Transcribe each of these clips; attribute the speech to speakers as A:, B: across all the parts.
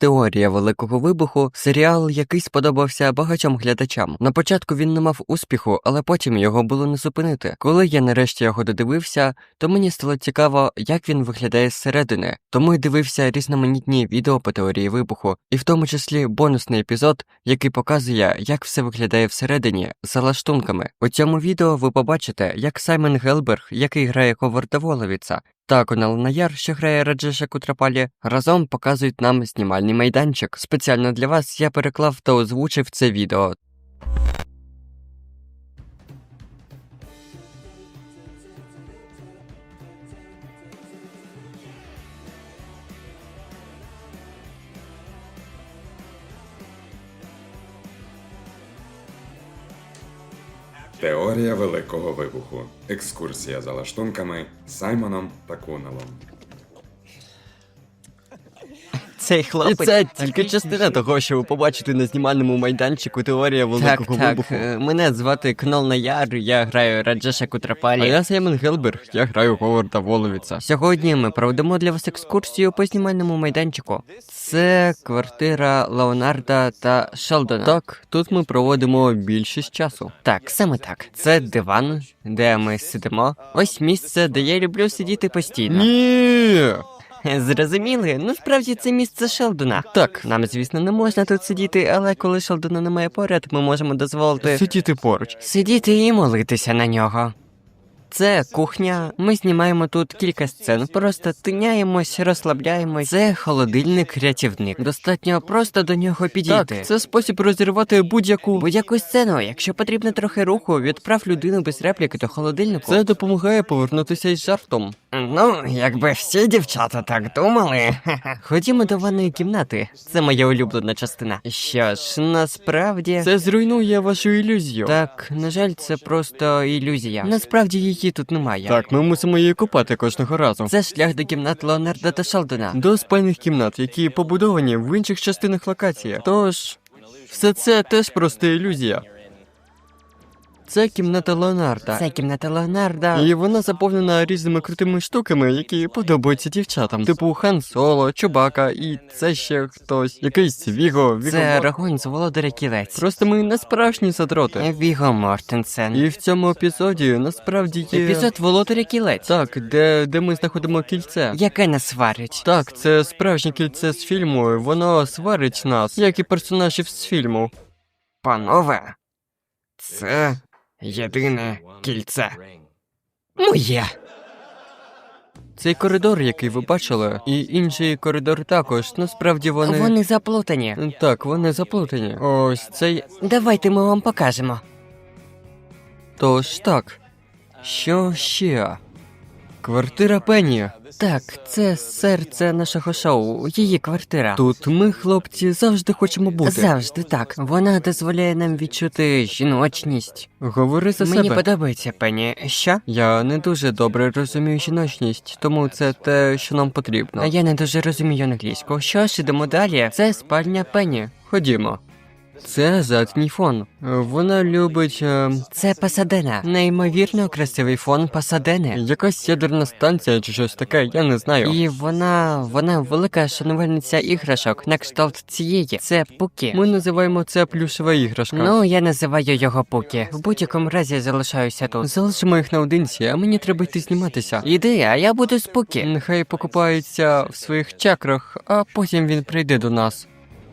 A: Теорія Великого Вибуху – серіал, який сподобався багатьом глядачам. На початку він не мав успіху, але потім його було не зупинити. Коли я нарешті його додивився, то мені стало цікаво, як він виглядає зсередини. Тому й дивився різноманітні відео по теорії вибуху, і в тому числі бонусний епізод, який показує, як все виглядає всередині, за лаштунками. У цьому відео ви побачите, як Саймон Гелберг, який грає Говарда Воловіца, та Кунал Наяр, що грає Раджеша Кутрапалі, разом показують нам знімальний майданчик. Спеціально для вас я переклав та озвучив це відео.
B: Теорія Великого Вибуху. Екскурсія за лаштунками Саймоном та Куналом.
A: Цей хлопець...
C: І це тільки частина того, що ви побачите на знімальному майданчику Теорія Великого Вибуху.
A: Мене звати Кунал Наяр, я граю Раджеша Кутрапалі.
C: А я Саймон Гелберг, я граю Говарда Воловіца.
A: Сьогодні ми проведемо для вас екскурсію по знімальному майданчику. Це квартира Леонарда та Шелдона.
C: Так, тут ми проводимо більшість часу.
A: Так, саме так. Це диван, де ми сидимо. Ось місце, де я люблю сидіти постійно.
C: Ні!
A: Зрозуміли? Ну, справді, це місце Шелдона.
C: Так.
A: Нам, звісно, не можна тут сидіти, але коли Шелдона немає поряд, ми можемо дозволити
C: Сидіти поруч.
A: сидіти і молитися на нього. Це кухня, ми знімаємо тут кілька сцен, просто тиняємось, розслабляємось. Це холодильник-рятівник. Достатньо просто до нього підійти.
C: Так, це спосіб розірвати
A: Будь-яку сцену, якщо потрібно трохи руху, відправ людину без репліки до холодильнику.
C: Це допомагає повернутися із жартом.
A: Ну, якби всі дівчата так думали. Ходімо до ванної кімнати. Це моя улюблена частина. Що ж, насправді...
C: Це зруйнує вашу ілюзію.
A: Так, на жаль, це просто ілюзія. Насправді її тут немає.
C: Так, ми мусимо її купати кожного разу.
A: Це шлях до кімнат Леонарда та Шелдона.
C: До спальних кімнат, які побудовані в інших частинах локації. Тож, все це теж просто ілюзія. Це кімната Леонарда.
A: Це кімната Леонарда.
C: І вона заповнена різними крутими штуками, які подобаються дівчатам. Типу Хан Соло, Чубака і це ще хтось. Якийсь Віго.
A: Це Рагонь з Володаря Кілець.
C: Просто ми не справжні задроти.
A: Віго Мортенсен.
C: І в цьому епізоді насправді є...
A: Епізод Володаря Кілець.
C: Так, де ми знаходимо кільце.
A: Яке нас сварить.
C: Так, це справжнє кільце з фільму, і воно сварить нас, як і персонажів з фільму.
A: Панове, це єдине кільце. Моє.
C: Цей коридор, який ви бачили, і інший коридор також, насправді
A: Вони заплутані.
C: Так, вони заплутані. Ось цей...
A: Давайте ми вам покажемо.
C: Тож так. Що ще? Квартира Пенні.
A: Так, це серце нашого шоу, її квартира.
C: Тут ми, хлопці, завжди хочемо бути.
A: Завжди так. Вона дозволяє нам відчути жіночність.
C: Говори за
A: Мені
C: себе.
A: подобається, Пенні. Що?
C: Я не дуже добре розумію жіночність, тому це те, що нам потрібно.
A: А я не дуже розумію англійську. Що ж, ідемо далі. Це спальня Пенні.
C: Ходімо. Це задній фон. Вона любить...
A: Це Пасадена. Неймовірно красивий фон Пасадени.
C: якась ядерна станція чи щось таке, я не знаю.
A: І вона велика шанувальниця іграшок на кшталт цієї. Це Пукі.
C: Ми називаємо це плюшева іграшка.
A: Ну, я називаю його Пукі. В будь-якому разі залишаюся тут.
C: Залишимо їх наодинці, а мені треба йти зніматися.
A: Іди, а я буду з Пукі.
C: Нехай покупається в своїх чакрах, а потім він прийде до нас.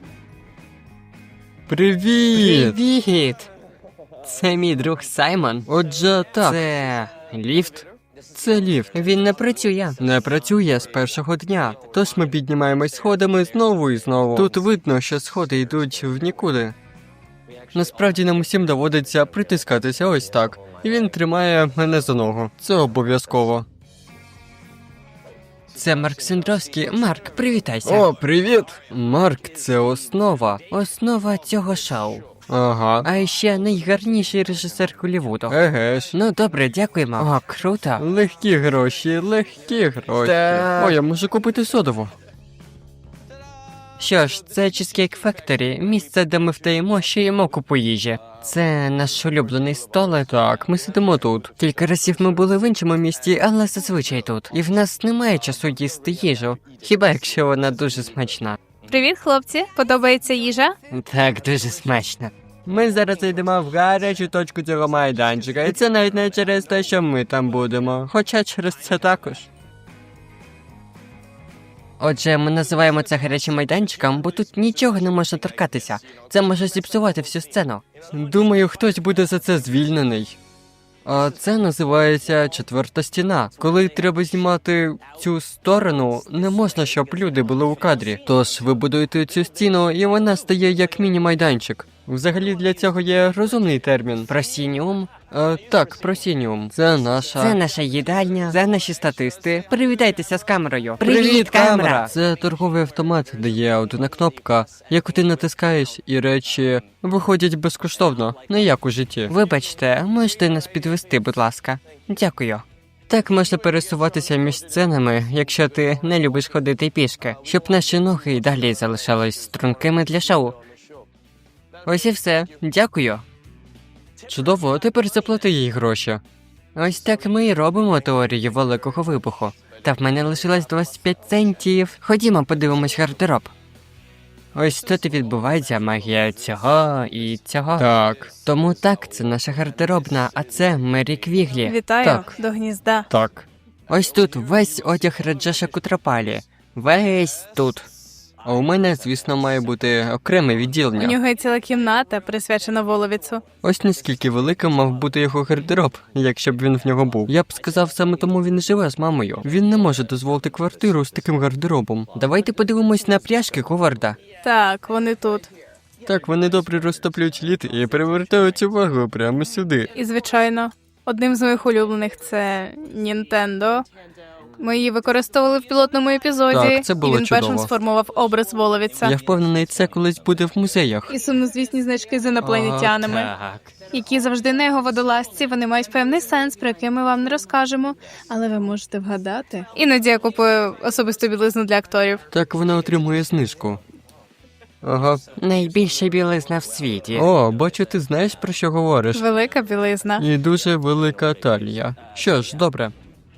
C: Привіт!
A: Привіт! Це мій друг Саймон.
C: Отже, так,
A: Це ліфт.
C: це ліфт.
A: Він не працює.
C: Не працює з першого дня, тож ми піднімаємось сходами знову і знову. Тут видно, що сходи йдуть в нікуди. Насправді нам усім доводиться притискатися ось так, і він тримає мене за ногу. Це обов'язково.
A: Це Марк Сендровський. Марк, привітайся.
C: О, привіт! Марк, це основа.
A: Основа цього шоу.
C: Ага.
A: А ще найгарніший режисер Голлівуду.
C: Еге ж.
A: Ну добре, дякуємо. О, круто.
C: Легкі гроші, легкі гроші.
A: Так.
C: О, я можу купити содову.
A: Що ж, це Cheesecake Factory, місце, де ми вдаємо, що їмо купу їжі. Це наш улюблений столик.
C: Так, ми сидимо тут.
A: Кілька разів ми були в іншому місті, але зазвичай тут. І в нас немає часу їсти їжу, хіба якщо вона дуже смачна.
D: Привіт, хлопці. Подобається їжа?
A: Так, дуже смачно.
C: Ми зараз йдемо в гарячу точку цього майданчика, і це навіть не через те, що ми там будемо, хоча через це також.
A: Отже, ми називаємо це гарячим майданчиком, бо тут нічого не можна торкатися. Це може зіпсувати всю сцену.
C: Думаю, хтось буде за це звільнений. А це називається четверта стіна. Коли треба знімати цю сторону, не можна, щоб люди були у кадрі. Тож ви будуєте цю стіну, і вона стає як міні-майданчик. Взагалі для цього є розумний термін.
A: Просініум.
C: Так, просініум. Це наша...
A: Це наша їдальня. Це наші статисти. Привітайтеся з камерою.
C: Це торговий автомат, де є одна кнопка, яку ти натискаєш, і речі виходять безкоштовно, не як у житті.
A: Вибачте, можете нас підвести, будь ласка. Дякую.
C: Так можна пересуватися між сценами, якщо ти не любиш ходити пішки, щоб наші ноги й далі залишались стрункими для шоу.
A: Ось і все. Дякую.
C: Чудово, тепер заплати їй гроші.
A: Ось так ми і робимо теорію великого вибуху. Та в мене лишилось 25 центів. Ходімо, подивимось гардероб. Ось тут і відбувається магія цього і цього.
C: Так.
A: Тому так, це наша гардеробна, а це Мері Квіглі.
D: Вітаю
C: Так.
D: до гнізда.
C: Так.
A: Ось тут весь одяг Раджеша Кутрапалі. Весь тут.
C: А у мене, звісно, має бути окреме
D: У
C: відділення.
D: нього є ціла кімната, присвячена Воловіцу.
C: Ось наскільки великим мав бути його гардероб, якщо б він в нього був. Я б сказав, саме тому він і живе з мамою. Він не може дозволити квартиру з таким гардеробом.
A: Давайте подивимось на пряжки Говарда.
D: Так, вони тут.
C: Так, вони добре розтоплюють лід і привертають увагу прямо сюди.
D: І, звичайно, одним з моїх улюблених це Нінтендо. Ми її використовували в пілотному епізоді,
C: Так, це було
D: і він першим
C: чудово.
D: сформував образ Воловіца.
C: Я впевнений, це колись буде в музеях.
D: І сумнозвісні значки з інопланетянами,
A: Так.
D: які завжди на його водолазці. Вони мають певний сенс, про який ми вам не розкажемо, але ви можете вгадати. Іноді я купую особисту білизну для акторів.
C: Так вона отримує знижку. Ага.
A: Найбільша білизна в світі.
C: О, бачу, ти знаєш, про що говориш.
D: Велика білизна.
C: І дуже велика талія. Що ж, добре.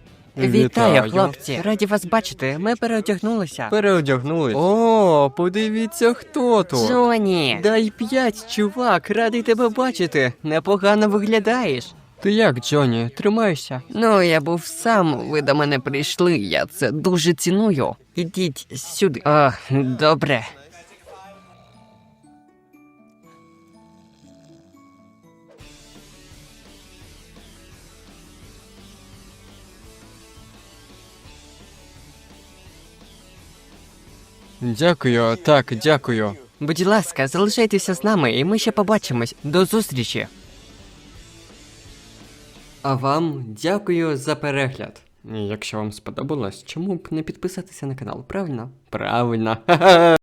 A: Вітаю, хлопці. Раді вас бачити. Ми переодягнулися.
C: Переодягнулись. О, подивіться, хто тут.
A: Джоні.
C: Дай 5, чувак, радий тебе бачити.
A: Непогано виглядаєш.
C: Ти як, Джоні, тримайся?
A: Ну, я був сам, ви до мене прийшли, я це дуже ціную. Ідіть сюди. О, добре.
C: Дякую, так, дякую.
A: Будь ласка, залишайтеся з нами, і ми ще побачимось. До зустрічі.
C: А вам дякую за перегляд. І якщо вам сподобалось, чому б не підписатися на канал, правильно? Правильно.